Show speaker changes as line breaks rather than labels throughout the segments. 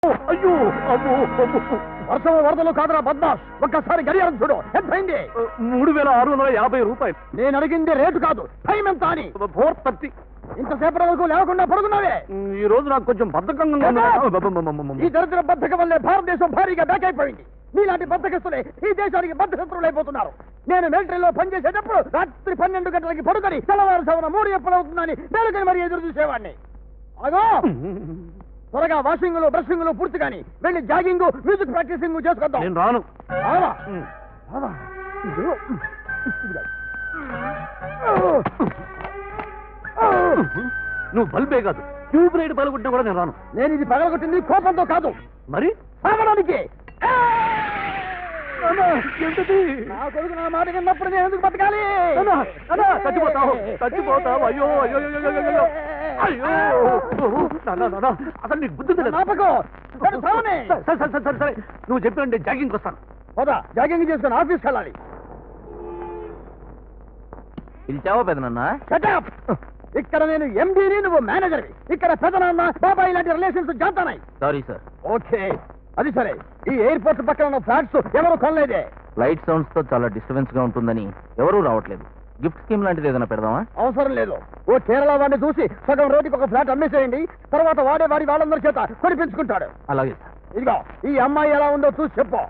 అయ్యో అమ్మో వర్షం వరదలు కాదురా బద్మాష్, ఒక్కసారి గడియారం చూడు, ఎంతైంది? 3650 రూపాయలు. నేను అడిగింది రేటు కాదు, టైం ఎంత అని. 4:30. ఇంతసేపటి వరకు లేకుండా పడుకున్నావే. ఈ రోజు నాకు కొంచెం బద్ధకంగా ఉంది. ఈ దరిద్ర బద్ధకం వల్లే భారతదేశం భారీగా బ్యాక్ అయిపోయింది. నీలాంటి బద్ధకస్తులే ఈ దేశానికి బద్ధశత్రువులు అయిపోతున్నారు. నేను మిలిటరీలో పనిచేసేటప్పుడు రాత్రి 12 గంటలకి పడుకొని తెల్లవారుజామున 3 ఎప్పుడవుతుందని మేలుకొని మరీ ఎదురు చూసేవాడిని. అగో త్వరగా వాషింగ్ బ్రషింగ్ పూర్తి కానీ వెళ్ళి జాగింగ్ మ్యూజిక్ ప్రాక్టీసింగ్ చేసుకొద్దాం. నేను రాను. నువ్వు బల్బే కాదు, ట్యూబ్ లైట్ పగలగొట్టినా కూడా నేను రాను. నేను ఇది పగలగొట్టింది కోపంతో కాదు, మరి సాగడానికి. నా కొడుకు నా మాట విన్నప్పుడు నేను ఎందుకు బతకాలి? చచ్చిపోతావు చచ్చిపోతావు. అయ్యో అయ్యో అయ్యో అసలు నీకు బుద్ధి సరే సరే నువ్వు చెప్పినంటే జాగింగ్కి వస్తాను. పోదా, జాగింగ్ చేసుకుని ఆఫీస్కి వెళ్ళాలి.
పిలిచావా పెదనన్నా?
ఇక్కడ నేను ఎండీని, నువ్వు మేనేజర్వి. ఇక్కడ పెదనాన్న బాబాయ్ లాంటి రిలేషన్స్ జాతానాయి.
Sorry sir.
ఓకే అది సరే. ఈ ఎయిర్పోర్ట్ పక్కన ఉన్న ఫ్లాట్స్ ఎవరు కొనలేదే.
లైట్ సౌండ్స్ తో చాలా డిస్టర్బెన్స్ గా ఉంటుందని ఎవరూ రావట్లేదు. గిఫ్ట్ స్కీమ్ లాంటిది ఏదైనా పెడదామా?
అవసరం లేదు. ఓ కేరళ వాడిని చూసి సగం రోడ్డుకి ఒక ఫ్లాట్ అమ్మేసేయండి. తర్వాత వాడే వాడి వాళ్ళందరి చేత కొనిపించుకుంటాడు.
అలాగే సార్.
ఇదిగో ఈ అమ్మాయి ఎలా ఉందో చూసి చెప్పు.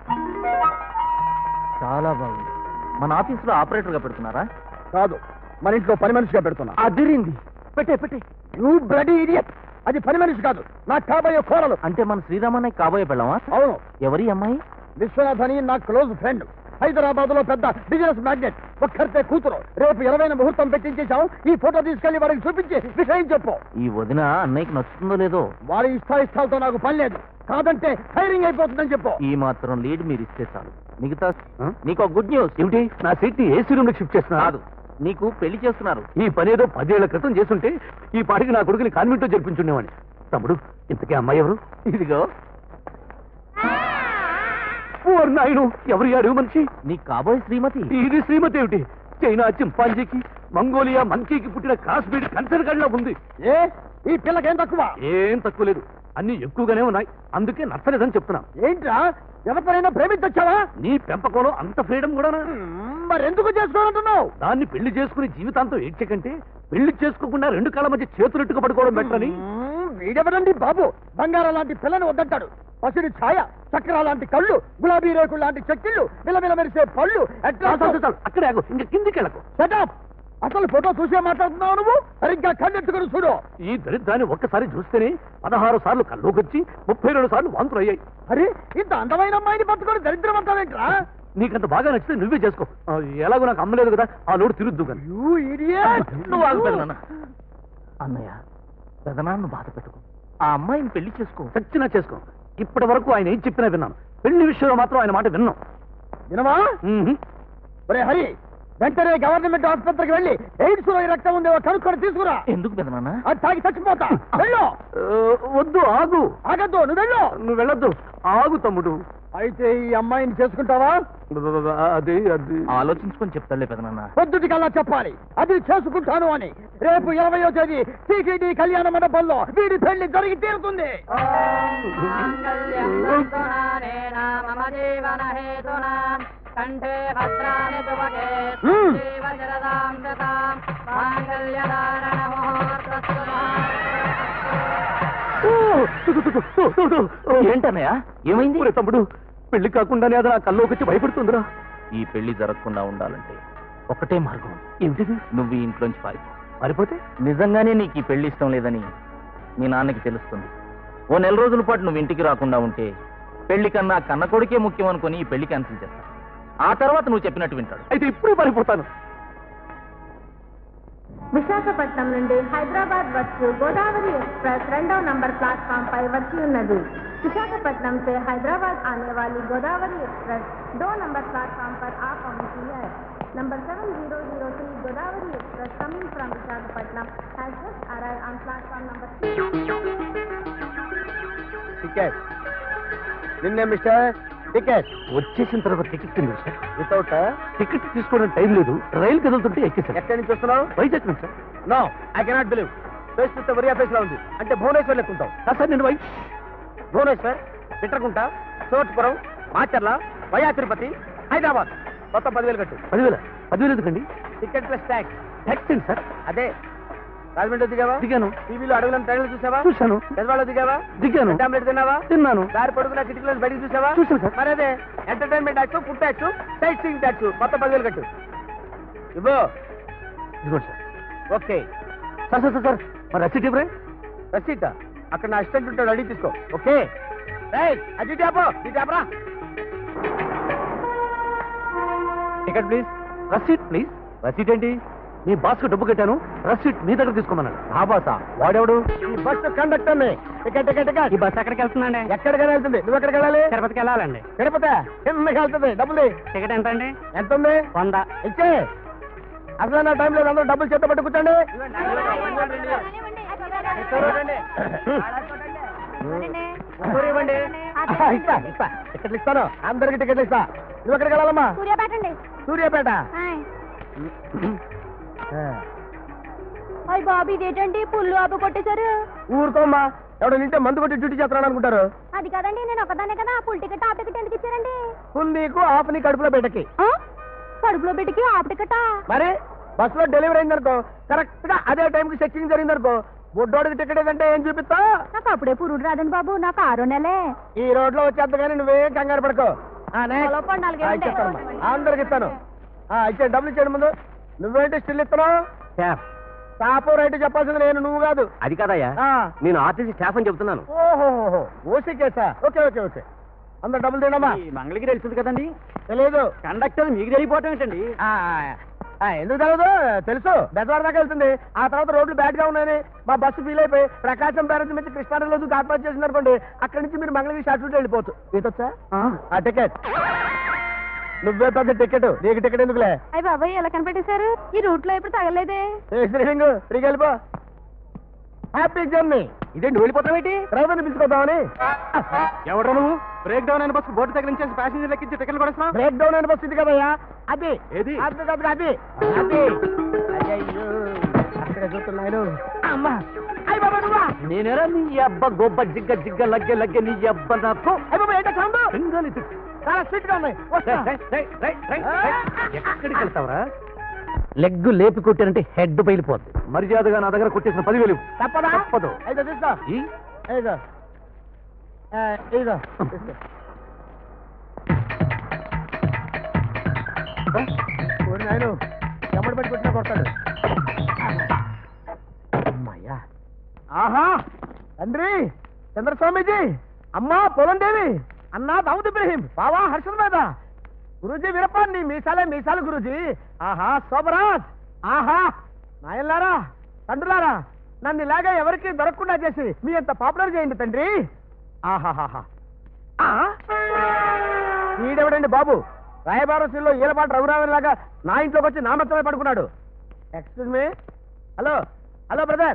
చాలా బాగుంది. మన ఆఫీస్ లో ఆపరేటర్ గా పెడుతున్నారా?
కాదు, మన ఇంట్లో పని మనిషిగా పెడుతున్నా.
అదిరింది. పెట్టే పెట్టే.
You bloody idiot. అది పని మనిషి కాదు, నాకు కాబోయే కోరలు.
అంటే మన శ్రీరామన్నయ్య కాబోయే పెళ్ళామా?
అవును.
ఎవరి అమ్మాయి?
విశ్వనాథ్ అని నా క్లోజ్ ఫ్రెండ్. హైదరాబాద్ లో పెద్ద బిజినెస్ మ్యాగ్నెట్. ఒక్కరితే కూతురు. రేపు 20న ముహూర్తం పెట్టించేశాం. ఈ ఫోటో తీసుకెళ్లి వాడికి చూపించి విషయం చెప్పు.
ఈ వదిన అన్నయ్యకి నచ్చుతుందో లేదో?
వారి ఇష్టాయిష్టాలతో నాకు పని లేదు. కాదంటే ఫైరింగ్ అయిపోతుందని చెప్పు.
ఈ మాత్రం లీడ్ మీరు ఇస్తే చాలు. మిగతా నీకు గుడ్ న్యూస్.
ఏమిటి? నా సీట్ ని ఏసీ రూమ్ షిఫ్ట్ చేస్తున్నా.
కాదు, నీకు పెళ్లి చేస్తున్నారు.
ఈ పని ఏదో 10 ఏళ్ల క్రితం చేస్తుంటే ఈ పాటికి నా కొడుకుని కాన్వెంట్ లో జరిపించుండేవాడిని. తమ్ముడు, ఇంతకీ అమ్మాయి ఎవరు?
ఇదిగో.
నాయను, ఎవరు అడుగు మనిషి?
నీ కాబోయే శ్రీమతి.
ఇది శ్రీమతి ఏమిటి? చైనా చింపాంజీకి, మంగోలియా మంకీకి పుట్టిన కాశ్మీర్ కన్సర్ గడిలో ఉంది. ఏ ఈ పిల్లకేం తక్కువ? ఏం తక్కువ లేదు, అన్ని ఎక్కువగానే ఉన్నాయి. అందుకే నచ్చలేదని చెప్తున్నా. ఏంట్రా, ఎవరినైనా ప్రేమించొచ్చావా? నీ పెంపకంలో అంత ఫ్రీడమ్ కూడా మరెందుకు చేసుకోవాలంటున్నావు? దాన్ని పెళ్లి చేసుకుని జీవితాంతం ఏడ్చకంటే పెళ్లి చేసుకోకుండా 2 కాళ్ళ మధ్య చేతులెట్టుకు పడుకోవడం బెటర్ అని. వీడెవరండి బాబు? బంగారం లాంటి పిల్లని వద్దంటాడు. పసిడి ఛాయ, చక్రా లాంటి కళ్ళు, గులాబీ రేకులు లాంటి చెక్కిళ్ళు, విలవిల మెరిసే పళ్ళు. అక్కడే ఇంకా కిందికి వెళ్ళకు. సెటప్. అసలు ఫోటో చూసే మాట్లాడుతున్నావు నువ్వు? సరిగ్గా కళ్ళెత్తుకుని చూడు. ఈ దరిద్రాన్ని ఒక్కసారి చూస్తేనే 16 సార్లు కల్లోకొచ్చి 32 సార్లు వాంతులు అయ్యాయి. అరే, ఇంత అందమైన అమ్మాయిని పట్టుకొని దరిద్రం అంటావేంట్రా? నీకంత బాగా నచ్చితే నువ్వే చేసుకో. ఎలాగో నాకు అమ్మలేదు కదా, ఆ లోటు తిరుద్దు కానీ.
నువ్వు ఆగుతాను. అన్నయ్య, పెదనాన్న బాధ పెట్టుకో. ఆ అమ్మాయిని పెళ్లి చేసుకో.
చచ్చినా చేసుకో. ఇప్పటి వరకు ఆయన ఏం చెప్పినా విన్నాను. పెళ్లి విషయంలో మాత్రం ఆయన మాట విన్నాం. వినవా? ఒరే హరి, వెంటనే గవర్నమెంట్ ఆసుపత్రికి వెళ్ళి ఎయిడ్స్ లో రక్తం ఉందేవో కనుక్కొని తీసుకురా.
ఎందుకు పెదనాన్న?
అది తాగి చచ్చిపోతా. వెళ్ళు. వద్దు, ఆగు. ఆగద్దు, నువ్వు వెళ్ళు. నువ్వు వెళ్ళొద్దు, ఆగు తమ్ముడు. అయితే ఈ అమ్మాయిని చేసుకుంటావా? అది అది
ఆలోచించుకొని చెప్తాలే పెదనాన్న.
పొద్దుటికల్లా చెప్పాలి అది చేసుకుంటాను అని. రేపు 20వ తేదీ టీటీడీ కళ్యాణ మండపంలో వీడి పెళ్లి జరిగి తీరుతుంది.
కంఠే భద్రాని తువకే జీవజరదాం దతాం మాంగళ్యధారణ
ఏంటన్నయ్య, ఏమైంది?
తమ్ముడు, పెళ్లి కాకుండానే అది నా కల్లోకి వచ్చి భయపడుతుందిరా.
ఈ పెళ్లి జరగకుండా ఉండాలంటే ఒకటే మార్గం.
ఏమిటిది?
నువ్వు ఈ ఇంట్లోంచి
పారిపోతే
నిజంగానే నీకు ఈ పెళ్లి ఇష్టం లేదని మీ నాన్నకి తెలుస్తుంది. ఓ 1 నెల రోజుల పాటు నువ్వు ఇంటికి రాకుండా ఉంటే పెళ్లి కన్నా కన్న కొడుకే ముఖ్యం అనుకుని ఈ పెళ్లి క్యాన్సిల్ చేస్తాను. ఆ తర్వాత నువ్వు చెప్పినట్టు వింటాడు.
అయితే ఇప్పుడే పారిపోతాను.
విశాఖపట్నం నుండి హైదరాబాద్ వచ్చు గోదావరి एक्सप्रेस 2వ నంబర్ प्लेटफॉर्म पर వచ్చి ఉన్నది. विशाखापट्टनम से हैदराबाद आने वाली गोदावरी एक्सप्रेस 2 नंबर प्लेटफॉर्म पर आ पहुंची है. Number 7003 Godavari express coming from Visakhapatnam has just arrived on platform number 3.
Ticket నిన్నే మిస్టర్ టికెట్ వచ్చేసిన తర్వాత టికెట్ ఉంది సార్. వితౌట్ టికెట్ తీసుకోవడానికి టైం లేదు. రైలు కదులుతుంటే ఎక్కేసాను. ఎక్కడి నుంచి వస్తున్నావు? వైజాగ్ నుంచి sir. No, I cannot believe. Face చూస్తే వరియా ఫేస్ లా ఉంది. అంటే భువనేశ్వర్ లెక్కుంటావు సార్. నేను భువనేశ్వర్, పిట్రకుంట, చోట్పురం, మాచర్ల, వయా తిరుపతి, హైదరాబాద్. మొత్తం 10,000 కట్టు. 10,000 ఎందుకండి? Ticket plus tax. ట్యాక్స్ ఏంటి సార్? అదే. రాజమండ్రి దిగావా? దిగాను. టీవీలో అడవులను ట్రైన్లు చూసావా? చూశాను. పెద్దవాళ్ళు దిగావా? దిగాను. టాబ్లెట్ తిన్నావా? తిన్నాను. దారి పడుకున్న కిటికీలో బయటికి చూసావా? చూసాను సార్. మరి అదే entertainment tax, food tax, sightseeing tax, మొత్తం 10,000 కట్టు. ఇవ్వు. ఇదిగోండి sir. Okay sir. Sir sir మరి రసీట్ ఇవ్వరే? రసీటా? అక్కడ నా అసిస్టెంట్ ఉంటాడు, అడిగి తీసుకో. ఓకే అది ట్యాపో, ఈ ట్యాపరా. Ticket please. Receipt please. Receipt ఏంటి? మీ బాస్ కు డబ్బు కట్టాను, రసీట్ మీ దగ్గర తీసుకోమన్నాడు. ఆ బాసా? వాడెవడు? ఈ బస్ కండక్టర్ ని. Ticket ticket ticket. ఈ బస్ ఎక్కడికి వెళ్తుందండి? ఎక్కడికైనా వెళ్తుంది. నువ్వు ఎక్కడికి వెళ్ళాలి? తిరుపతికి వెళ్ళాలండి. తిరుపతి కిందకి వెళ్తుంది. డబ్బులు. టికెట్ ఎంత అండి? ఎంత ఉంది? 100. ఇచ్చే. అసలు నా టైం లేదు, అందరూ డబ్బులు చేత పట్టు కూర్చోండి. ఇస్తా ఇస్తా టికెట్లు ఇస్తాను, అందరికి టికెట్లు ఇస్తా. నువ్వు ఎక్కడికి వెళ్ళాలమ్మా?
సూర్యాపేట అండి.
సూర్యాపేట.
అయ్య బాబు, ఇదేంటండి పుల్లు ఆపు కొట్టేశారు?
ఊరుకోమ్మా, ఎవడో నింటే మందు కొట్టి డ్యూటీ చేస్తున్నాను అనుకుంటారు.
అది కాదండి, నేను ఒకదానే కదా. ఫుల్ టికెట్ హాఫ్ టికెట్ ఎందుకు ఇచ్చారండి?
ఫుల్ నీకు, హాఫ్ నీ కడుపులో పెట్టకి.
కడుపులో పెట్టికి హాఫ్ టికెటా?
మరి బస్సులో డెలివరీ అయిందనుకో, కరెక్ట్ గా అదే టైంకి చెక్కింగ్ జరిగిందనుకో, బుడ్డోడికి టికెట్ ఏదంటే ఏం చూపిస్తా?
నాకు అప్పుడే పురుడు రాదండి బాబు, నాకు 6 నెలే.
ఈ రోడ్ లో వచ్చేద్దు కానీ నువ్వేం కంగారు పడుకో. అందరికి ఇస్తాను. ఇచ్చే డబ్బులు ఇచ్చాడు ముందు. నువ్వేంటి స్టిల్ ఇస్తున్నావు? టాపు రైట్ చెప్పాల్సింది నేను, నువ్వు కాదు. అది కాదయ్యా, నేను ఆర్టీసీ స్టాఫ్ అని చెప్తున్నాను. ఓహోహో, ఓసీ కేసా? Okay okay okay. అందరు డబ్బులు తినమ్మా. మంగళగిరి తెలుస్తుంది కదండి? తెలియదు. కండక్టర్ మీకు తెలియపోవటం ఏంటండి? ఎందుకు తెలియదు? తెలుసు. బెజవాడ దాకా వెళ్తుంది. ఆ తర్వాత రోడ్లు బ్యాడ్ గా ఉన్నాయని మా బస్సు ఫీల్ అయిపోయి ప్రకాశం బ్యారేజ్ నుంచి కృష్ణానగర్లో దూకి ఆత్మహత్య చేసింది అనుకోండి. అక్కడి నుంచి మీరు మంగళగిరి షార్ట్ రూట్ వెళ్ళిపోవచ్చు. ఈతొచ్చా? ఆ టికెట్ నువ్వే పెద్ద టికెట్, నీకు టికెట్ ఎందుకులే?
అయ్య బాబాయ్, ఎలా కనిపెట్టేశారు? ఈ రూట్ లో ఎప్పుడు తగలేదే.
శ్రీహింగ్ ఫ్రీకి వెళ్ళిపో. Happy journey. ఇదేంటి వెళ్ళిపోతావేంటి? డ్రైవర్ని పిలుచుకోద్దామని. ఎవరు నువ్వు? బ్రేక్ డౌన్ అయిన బస్సు బోర్డు దగ్గర నుంచి ప్యాసింజర్ లెక్కించి టికెట్లు కూడా బ్రేక్ డౌన్ అయిన బస్సు ఇది కదయ్యా. అది ఏది? అది అది అది అది. అయ్యో అక్కడ చూస్తున్నాను. అమ్మా అయ్య బాబా, నువ్వా? నేనేరా నీ అబ్బ గొబ్బ జిగ్గ జిగ్గ లగ్గె లగ్గె నీ అబ్బ నాకు. అయ్య బాబా, ఏంటో సౌండ్? సింగల్ ఇది చాలా స్వీట్ గా ఉన్నాయి. ఎక్కడికి వెళ్తావరా? లెగ్ లేపి కొట్టారంటే హెడ్ పైలిపోద్ది. మర్యాదగా నా దగ్గర కొట్టేసిన 10,000 తప్పదా? తప్పదు. అయితే తీసుకో. ఇదిగో ఇదిగో నాయను, ఎమ్మడి పట్టి కొట్టినా కొడతాడు. అమ్మాయ్యా. ఆహా, తండ్రి చంద్రస్వామీజీ, అమ్మా పొలందేవి, అన్నా దావుద్ ఇబ్రహీం, బావా హర్షద్ మీద, గురూజీ వీరప్ప, నీ మీసాలే మీసాలు గురూజీ. ఆహా శోభరాజ్, ఆహా నాయన్లారా, తండ్రులారా, నన్ను ఇలాగా ఎవరికి దొరకకుండా చేసి మీ అంత పాపులర్ చేయండి తండ్రి. ఆహాహా. ఈడెవడండి బాబు? రాయబారసీల్లో ఈలపాట రఘురామన్ లాగా నా ఇంట్లోకి వచ్చి నా మొత్తమే పడుకున్నాడు. Excuse me. Hello hello brother.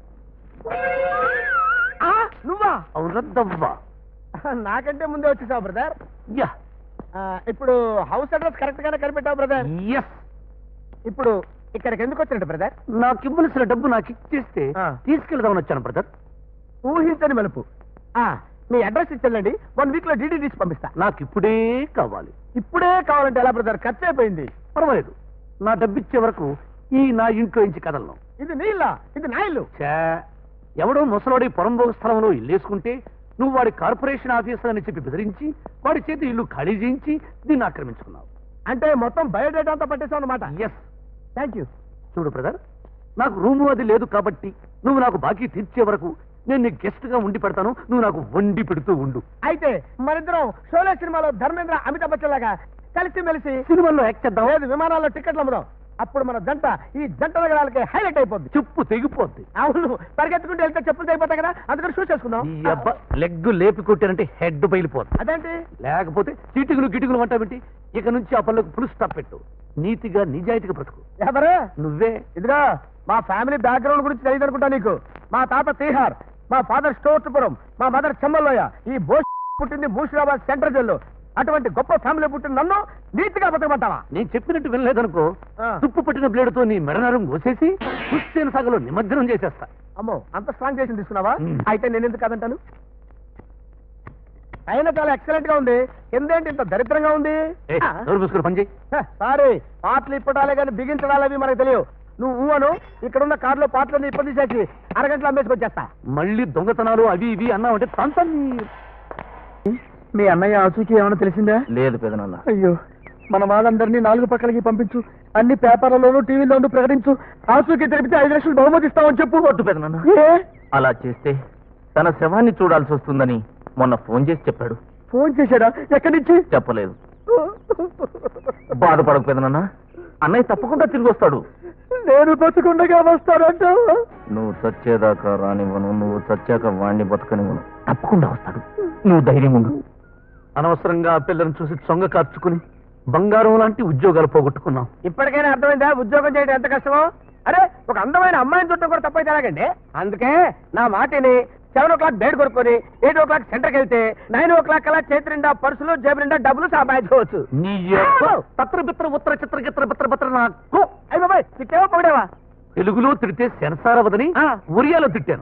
నువ్వా? అవునద్దవ్వా, నాకంటే ముందే వచ్చేసావు బ్రదర్. యా. ఇప్పుడు హౌస్ అడ్రస్ కరెక్ట్ గానే కనిపెట్టావు బ్రదర్. ఎస్. ఇప్పుడు ఇక్కడికి ఎందుకు వచ్చినట్టు బ్రదర్? నాకు ఇవ్వలసిన డబ్బు నాకు ఇచ్చేస్తే తీసుకెళ్దామని వచ్చాను బ్రదర్. ఊహించని మలుపు. మీ అడ్రస్ ఇచ్చేయండి, 1 వీక్ లో డీడీ తీసి పంపిస్తా. నాకు ఇప్పుడే కావాలి. ఇప్పుడే కావాలంటే ఎలా బ్రదర్? ఖర్చు అయిపోయింది. పర్వాలేదు, నా డబ్బు ఇచ్చే వరకు ఈ నా ఇంట్లో నుంచి కదలను. ఇది నీ ఇల్లా? ఇది నా ఇల్లు. ఎవడో ముసలోడి పొరంబోగు స్థలంలో ఇల్లేసుకుంటే నువ్వు వాడి కార్పొరేషన్ ఆఫీసర్ అని చెప్పి బెదిరించి వాడి చేతి ఇల్లు ఖాళీ చేయించి దీన్ని ఆక్రమించుకున్నావు. అంటే మొత్తం బయోడేటా అంతా పట్టేసావు అన్నమాట. ఎస్. Thank you. చూడు బ్రదర్, నాకు రూము అది లేదు కాబట్టి నువ్వు నాకు బాకీ తీర్చే వరకు నేను నీ గెస్ట్ గా ఉండి పెడతాను. నువ్వు నాకు వండి పెడుతూ ఉండు. అయితే మరిద్దరం షోలే సినిమాలో ధర్మేంద్ర అమితాబ్ బచ్చన్ లాగా కలిసి మెలిసి సినిమాల్లో యాక్ట్ చేద్దాం. లేదు, విమానాల్లో టికెట్లు అమ్ముదాం. అప్పుడు మన జంట ఈ జంట నగరాలకి హైలైట్ అయిపోద్ది. చెప్పు తెగిపోద్ది. అవును, పరిగెత్తుకుంటూ వెళ్తే చెప్పులు తెగిపోతాయి కదా, అందుకని షూ చేసుకుందాం. లెగ్ లేపి కొట్టారంటే హెడ్ పైలిపోద్ది. అదేంటి? లేకపోతే చీటికులు గిటికులు అంటావేంటి? ఇక నుంచి ఆ పనులకు ఫుల్ స్టాప్ పెట్టు. నీతిగా నిజాయితీగా బ్రతుకు. ఎవరు? నువ్వే. ఇదిగా మా ఫ్యామిలీ బ్యాక్గ్రౌండ్ గురించి తెలియదు అనుకుంటా నీకు. మా తాత తీహార్, మా ఫాదర్ స్టోర్పురం, మా మదర్ చెమ్మల్లోయ. ఈ బోస్ పుట్టింది మూషిరాబాద్ సెంట్రల్ జైల్లో. అటువంటి గొప్ప ఫ్యామిలీ పుట్టిన నన్ను నీతిగా బతకమంటావా? నేను చెప్పినట్టు వినలేదనుకో, తుప్పు పట్టిన బ్లేడుతో నీ మెడనరం కోసేసి హుస్సేన్ సాగర్లో నిమజ్జనం చేసేస్తా. అమ్మో, అంత స్ట్రాంగ్ చేసి తీసుకున్నావా? అయితే నేను ఎందుకు కాదంటాను? అయినా చాలా ఎక్సలెంట్ గా ఉంది. కిందేంటి ఇంత దరిద్రంగా ఉంది? పని చేయి. సారీ, పాటలు ఇప్పటాలే కానీ బిగించడాలవి మనకు తెలియవు. నువ్వు అను, ఇక్కడున్న కార్లో పాటలన్నీ ఇప్పటి తీసేసి అరగంటలో అమ్మేసుకొచ్చేస్తా. మళ్ళీ దొంగతనాలు అవి ఇవి అన్నావంటే తంతని. మీ అన్నయ్య ఆచూకీ ఏమైనా తెలిసిందా?
లేదు పెదనాన్న.
అయ్యో, మన వాళ్ళందరినీ 4 పక్కలకి పంపించు, అన్ని పేపర్లలోనూ టీవీలోనూ ప్రకటించు. ఆచూకీ తెలిపితే 5 లక్షలు బహుమతి ఇస్తామని చెప్పు.
వద్దు పెదనాన్న. అలా చేస్తే తన శవాన్ని చూడాల్సి వస్తుందని మొన్న ఫోన్ చేసి చెప్పాడు.
ఫోన్ చేశాడా? ఎక్కడి నుంచి?
చెప్పలేదు. బాధపడకు పెదనాన్న, అన్నయ్య తప్పకుండా తిరిగి వస్తాడు.
నేను బతుకుండగా వస్తాడంట.
నువ్వు చచ్చేదాకా రానివ్వను, నువ్వు చచ్చాక వాణ్ణి బతకనివ్వను. తప్పకుండా వస్తాడు, నువ్వు ధైర్యం ఉండు.
అనవసరంగా పిల్లల్ని చూసి సొంగ కార్చుకుని బంగారం లాంటి ఉద్యోగాలు పోగొట్టుకున్నాం. ఇప్పటికైనా అర్థమైందా ఉద్యోగం చేయడం ఎంత కష్టమో? అరే, ఒక అందమైన అమ్మాయిని చుట్టం కూడా తప్పైతే ఎలాగండి? అందుకే నా మాటిని 7 o'clock బయట కొనుక్కొని 8 o'clock సెంటర్కి వెళ్తే 9 o'clock కల్లా చేతి నిండా పర్సులు, జేబు నిండా డబ్బులు సంపాదించుకోవచ్చు.
నీ
పత్ర బిత్ర ఉత్తర చిత్ర గిత్ర బిత్ర బిత్ర నాకు అయ్యి బాబాయ్, తిట్టేవా పొగిడేవా? తెలుగులో తిడితే సెన్సార్ అవ్వదని ఒరియాలో తిట్టాను.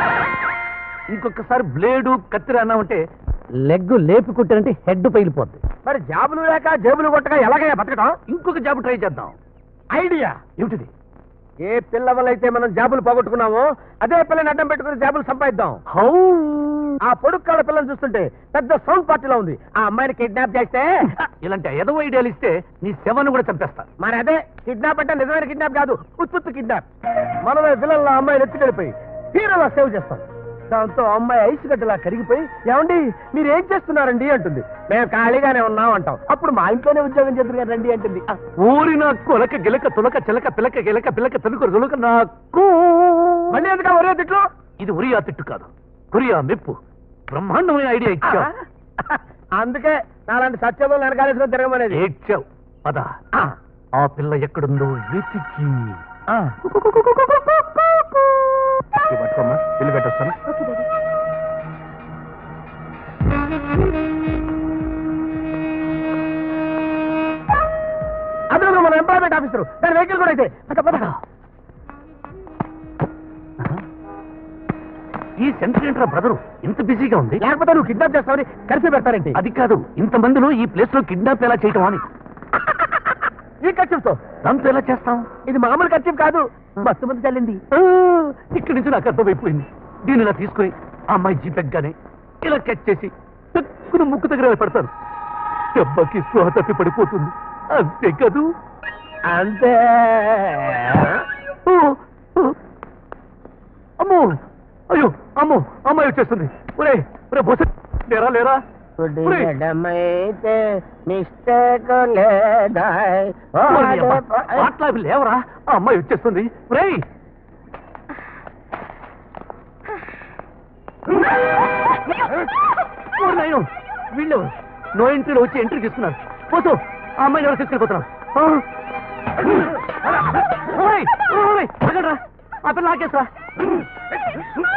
ఇంకొకసారి బ్లేడు కత్తిర అన్నామంటే లెగ్ లేపి కుట్టానంటే హెడ్ పైలిపోద్ది. మరి జాబులు లేక జేబులు కొట్టగా ఎలాగైనా బతకడం? ఇంకొక జాబు ట్రై చేద్దాం. ఐడియా ఏమిటిది? ఏ పిల్ల వల్ల అయితే మనం జాబులు పోగొట్టుకున్నామో అదే పిల్లని అడ్డం పెట్టుకుని జాబులు సంపాదిద్దాం. ఆ పొడుక్కాడ పిల్లని చూస్తుంటే పెద్ద సౌండ్ పార్టీలో ఉంది. ఆ అమ్మాయిని కిడ్నాప్ చేస్తే ఇలాంటి ఎదవ ఐడియాలు ఇస్తే నీ శవాన్ని కూడా చంపేస్తా. మరి అదే కిడ్నాప్ అంటే నిజమైన కిడ్నాప్ కాదు, ఉత్పత్తి కిడ్నాప్. మనమే విలన్ల అమ్మాయిని ఎత్తుకెళ్ళిపోయి హీరోలా సేవ్ చేస్తాం. దాంతో అమ్మాయి ఐసు గడ్డలా కరిగిపోయి, ఏమండి మీరేం చేస్తున్నారండి అంటుంది. మేము ఖాళీగానే ఉన్నాం అంటాం. అప్పుడు మా ఇంట్లోనే ఉద్యోగం చేద్దరు రండి అంటుంది. ఊరిన కొలక గిలక తులక చిలక పిలక గిలక పిలక తనుకు తులక నాకు మళ్ళీ ఎందుకు ఒరియా తిట్లు? ఇది ఒరియా తిట్టు కాదు, కొరియా మెప్పు. బ్రహ్మాండమైన ఐడియా ఇచ్చావు. అందుకే నాలాంటి సత్యంలో వెనకాలేసుకొని తిరగమనేది. ఏడ్చావు అదా? ఆ పిల్ల ఎక్కడుందో వెతికి పట్టుకోమ్మా, ఇల్లు పెట్టొస్తాను. అదే మన ఎంప్లాయ్మెంట్ ఆఫీసర్, దాని వెహికల్ కూడా అయితే. ఈ సెంటర్ ఏంట్రా బ్రదరు ఇంత బిజీగా ఉంది? లేకపోతే నువ్వు కిడ్నాప్ చేస్తావని కలిసి పెడతారేంటి? అది కాదు, ఇంతమందిలో ఈ ప్లేస్ లో కిడ్నాప్ ఎలా చేయటం అని. ఈ ఖర్చుతో దాంతో ఎలా చేస్తాం? ఇది మామూలు ఖర్చు కాదు, మస్తు మంది చల్లింది. ఇక్కడి నుంచి నాకు అర్థమైపోయింది. దీన్ని ఇలా తీసుకుని ఆ అమ్మాయి జీపెగ్గానే ఇలా కట్ చేసి తక్కువ ముక్కు దగ్గర పెడతాను. దెబ్బకి స్పృహ తప్పి పడిపోతుంది. అంతే కదూ? అంతే. అమ్మో, అయ్యో అమ్మో, అమ్మాయి వచ్చేస్తుంది. ఒరే ఒరే బొస, లేరా లేరా? లేవరా, ఆ అమ్మాయి వచ్చేస్తుంది. వీళ్ళు నో ఎంట్రీలో వచ్చి ఎంట్రీ తీసుకున్నారు. పోతూ ఆ అమ్మాయిని ఎవరు తీసుకెళ్ళిపోతున్నారు? ఆ పిల్ల ఆకేసా.